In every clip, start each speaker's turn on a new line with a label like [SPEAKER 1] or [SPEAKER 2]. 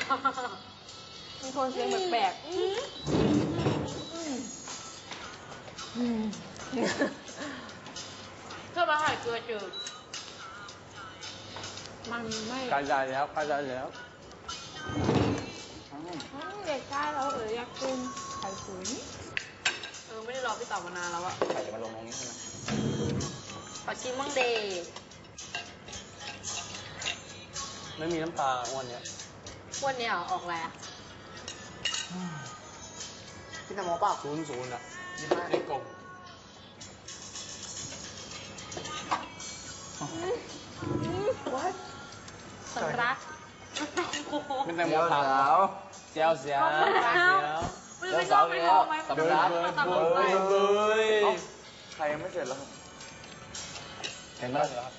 [SPEAKER 1] มีคนเสียงแปลกๆเพื่อมาหายเกลือจืดมันไม่
[SPEAKER 2] การใจแล้วการใจแล้ว
[SPEAKER 1] เด็กใกล้แล้วอยากกินไข่ตุ๋นไม่ได้รอพี่ต่อมานานแล้วอะ
[SPEAKER 2] ไข่จะมาลงตรงนี้ใช่ไหม
[SPEAKER 1] ขอชิมมั่งเดย์
[SPEAKER 2] ไม่มีน้ำตาอ้วนเนี้ย
[SPEAKER 1] วันนี้ออกแล้วพี่ทำหมอเปล่า
[SPEAKER 2] 00อ่ะในกลม
[SPEAKER 1] สำรัก
[SPEAKER 2] เป็นแตงโมขาวเจียวเสียวเจียวสาวแล้วสำรับใครยังไม่เสร็จแล้วครับเห็นไหมครับ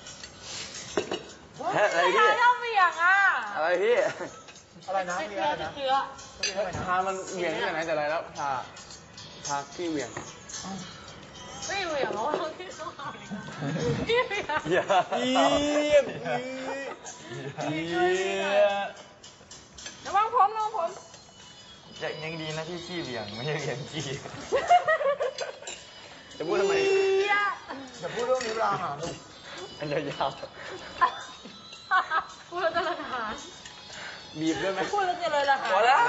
[SPEAKER 2] อะไรพี่
[SPEAKER 1] ชอบเบี่ยงอ่ะ
[SPEAKER 2] อะไรพี่
[SPEAKER 3] อะไรนะพี่อะไรนะ
[SPEAKER 2] พามันเหวี่ยงที่ไหนแต่ไรแล้วพาพี่เหวี่ยง
[SPEAKER 1] ไม่เหวี่ยงแล้วพี่ต้องเอาพี่เหวี่ยง
[SPEAKER 2] อย่าเยี่ยม
[SPEAKER 1] ระวังผม
[SPEAKER 3] ยังดีนะที่ขี้เหวี่ยงไม่ใช่เหวี่ยงขี้
[SPEAKER 2] จะพูดทำไม
[SPEAKER 3] จะพูดเรื่องนี้เวลาหาลูก
[SPEAKER 2] อันยาว
[SPEAKER 1] พูดแล้วจะระหาย
[SPEAKER 2] บีบด้วยไหม
[SPEAKER 1] พูดแล้วจะเลยระหาย
[SPEAKER 3] พอแล้ว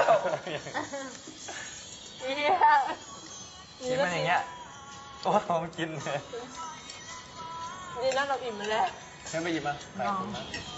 [SPEAKER 1] นี่
[SPEAKER 3] มันอย่างเงี้ยโอ้ผมกินเลย
[SPEAKER 1] นี่นั่นเราอิ่มแล้ว
[SPEAKER 2] ฉันไปหยิบมาใส่ถุงนะ